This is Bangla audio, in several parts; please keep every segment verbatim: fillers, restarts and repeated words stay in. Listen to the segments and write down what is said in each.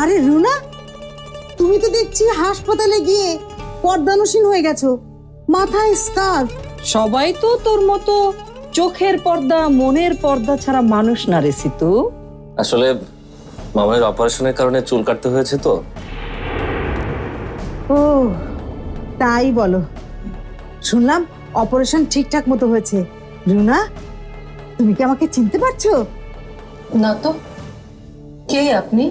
আরে রুনা, তুমি তো দেখছি হাসপাতালে গিয়ে পর্দানুসীন হয়ে গেছো, মাথায় স্কার্ফ। সবাই তো তোর মতো চোখের পর্দা মনের পর্দা ছাড়া মানুষ না রে সিতু। আসলে মামার অপারেশনের কারণে চুল কাটতে হয়েছে তো। ও তাই বলো, শুনলাম অপারেশন ঠিকঠাক মতো হয়েছে। রুনা, তুমি কি আমাকে চিনতে পারছো? না তো, কে আপনি?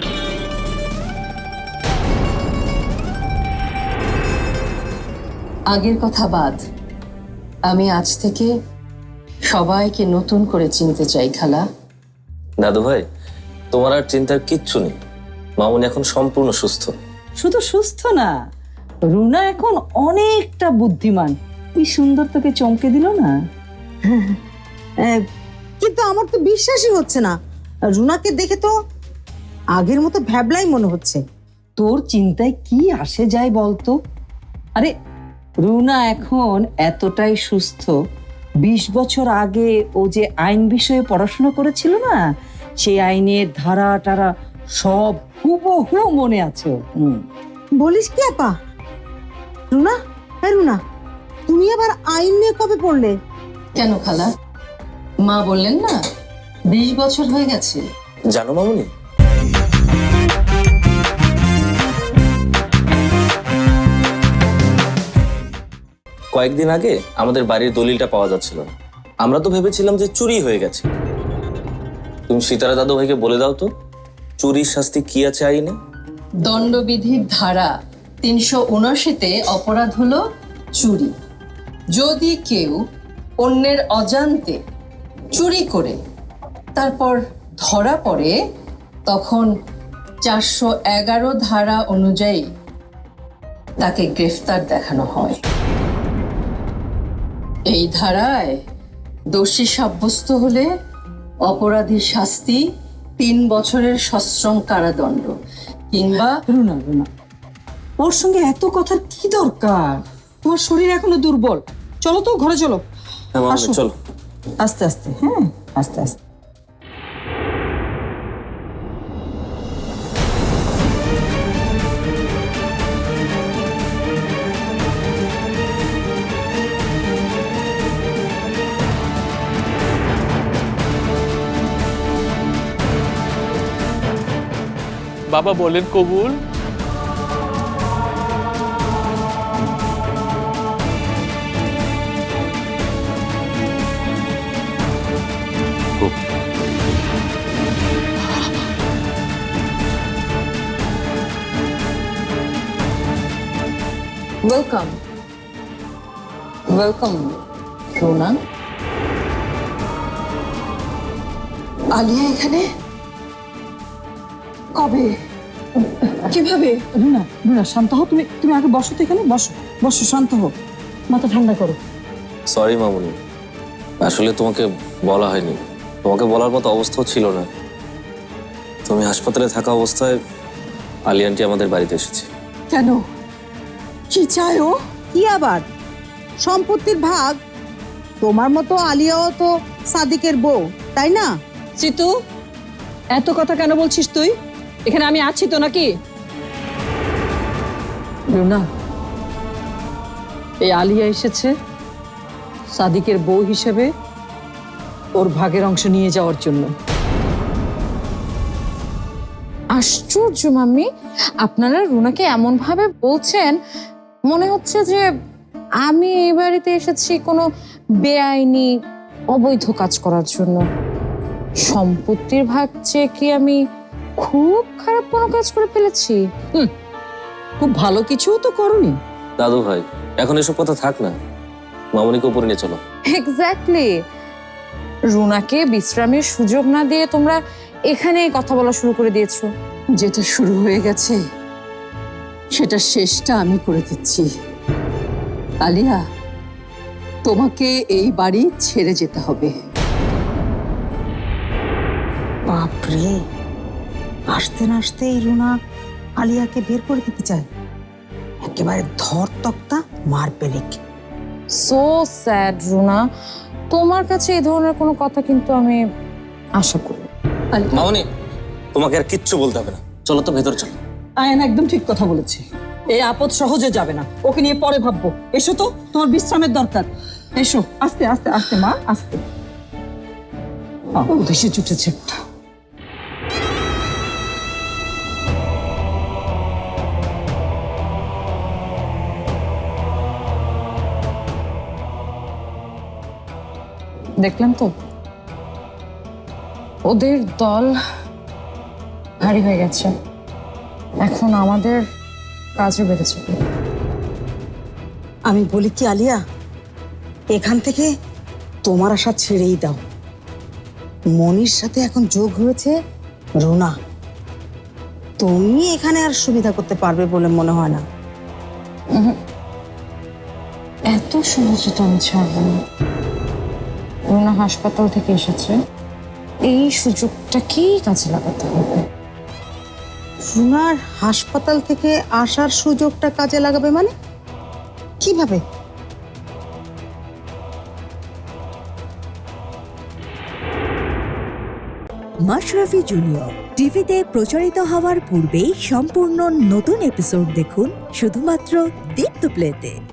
আগের কথা বাদ, আমি আজ থেকে সবাইকে নতুন করে চিনতে চাই খালা। দাদু ভাই, তোমার আর চিন্তার কিচ্ছু নেই, মামুনি এখন সম্পূর্ণ সুস্থ। শুধু সুস্থ না, রুনা এখন অনেকটা বুদ্ধিমান। কি সুন্দর তোকে চমকে দিল না? আহ, কিন্তু আমার তো বিশ্বাসই হচ্ছে না, রুনাকে দেখে তো আগের মতো ভ্যাবলাই মনে হচ্ছে। তোর চিন্তায় কি আসে যায় বলতো? আরে রুনা এখন এতটাই সুস্থ, বিশ বছর আগে ও যে আইন বিষয়ে পড়াশোনা করেছিল না, সেই আইনের ধারা টারা সব হুবহু মনে আছে। হুম বলিস কি আপা? রুনা, হ্যাঁ রুনা, তুমি আবার আইন নিয়ে কবে পড়লে? কেন খালা, মা বললেন না বিশ বছর হয়ে গেছে? জানো মামুনি, কয়েকদিন আগে আমাদের বাড়ির দলিলটা পাওয়া যাচ্ছিল না। আমরা তো ভেবেছিলাম যে চুরি হয়ে গেছে। তুমি সীতারা দাদু ভাইকে বলে দাও তো, চুরির শাস্তি কি আছে আইনে? দণ্ডবিধির ধারা তিনশো উনআশিতে অপরাধ হলো চুরি। যদি কেউ অন্যের অজান্তে চুরি করে তারপর ধরা পড়ে, তখন চারশো এগারো ধারা অনুযায়ী তাকে গ্রেফতার দেখানো হয়। এই ধারায় দোষী সাব্যস্ত হলে অপরাধীর শাস্তি তিন বছরের সশ্রম কারাদণ্ড কিংবা রুনা রুনা ওর সঙ্গে এত কথার কি দরকার? তোমার শরীর এখনো দুর্বল। চলো তো ঘরে চলো। হ্যাঁ মামুনি, আসো। চলো। আস্তে আস্তে, হ্যাঁ আস্তে আস্তে। বাবা বলেন কবুল। Welcome welcome রোনা। আলিয়া এখানে কবে, কিভাবে? রুনা রুনা শান্ত হও। তুমি তুমি আগে বসো তো, এখানে বসো বসো, শান্ত হও, মাথা ঠান্ডা করো। সরি মামুনি, আসলে তোমাকে বলা হয়নি, তোমাকে বলার মতো অবস্থাও ছিল না। তুমি হাসপাতালে থাকা অবস্থায় আলী আন্টি আমাদের বাড়িতে এসেছে। কেন, কি চায় ও? কি আবার সম্পত্তির ভাগ? তোমার মতো আলিয়াও তো সাদিকের বউ, তাই না? সিতু, এত কথা কেন বলছিস তুই? এখানে আমি আছি তো নাকি? রুনা, এই আলিয়া এসেছে সাদিকের বউ হিসেবে ওর ভাগের অংশ নিয়ে যাওয়ার জন্য। আশ্চর্য মাম্মি, আপনারা রুনাকে এমন ভাবে বলছেন মনে হচ্ছে যে আমি এই বাড়িতে এসেছি কোনো বেআইনি অবৈধ কাজ করার জন্য। সম্পত্তির ভাগ চেয়ে কি আমি খুব খারাপ কোনো কাজ করে ফেলেছি? হুম, খুব ভালো কিছু তো করনি। দাদু ভাই, এখন এসব কথা থাক না, মামুনিকে উপরে নিয়ে চলো। এক্স্যাক্টলি, রুনাকে বিশ্রামের সুযোগ না দিয়ে তোমরা এখানে কথা বলা শুরু করে দিয়েছো। যেটা শুরু হয়ে গেছে সেটা শেষটা আমি করে দিচ্ছি। আলিয়া, তোমাকে এই বাড়ি ছেড়ে যেতে হবে। বাপরে, আসতে না আসতেই রুনা আলিয়াকে বের করে দিতে চায়। একেবারে ধর তক্তা মার পেরেক। সো স্যাড রুনা, তোমার কাছে এই ধরনের কোনো কথা কিন্তু আমি আশা করি। মামুনি, তোমাকে আর কিচ্ছু বলতে হবে না, চলো তো ভেতর চলো। আয়ন একদম ঠিক কথা বলেছে, এই আপদ সহজে যাবে না, ওকে নিয়ে পরে ভাববো। এসো তো, তোমার বিশ্রামের দরকার। এসো, আস্তে আস্তে আস্তে মা, আস্তে। দেশে জুটেছে একটা। দেখলেন তো ওদের দল ভারী হয়ে গেছে, এখন আমাদের কাজও বেড়েছে। আমি বলি কি আলিয়া, এখান থেকে তোমার আশা ছেড়েই দাও। মনির সাথে এখন যোগ হয়েছে রুনা, তুমি এখানে আর সুবিধা করতে পারবে বলে মনে হয় না। এত সহজে তো আমি ছাড়বো না। রুনা হাসপাতাল থেকে এসেছে, এই সুযোগটাকেই কাজে লাগাতে হবে। রুনার হাসপাতাল থেকে আসার সুযোগটা কাজে লাগাবে মানে কিভাবে? মাশরাফি জুনিয়র টিভিতে প্রচারিত হওয়ার পূর্বেই সম্পূর্ণ নতুন এপিসোড দেখুন শুধুমাত্র দীপ্ত প্লেতে।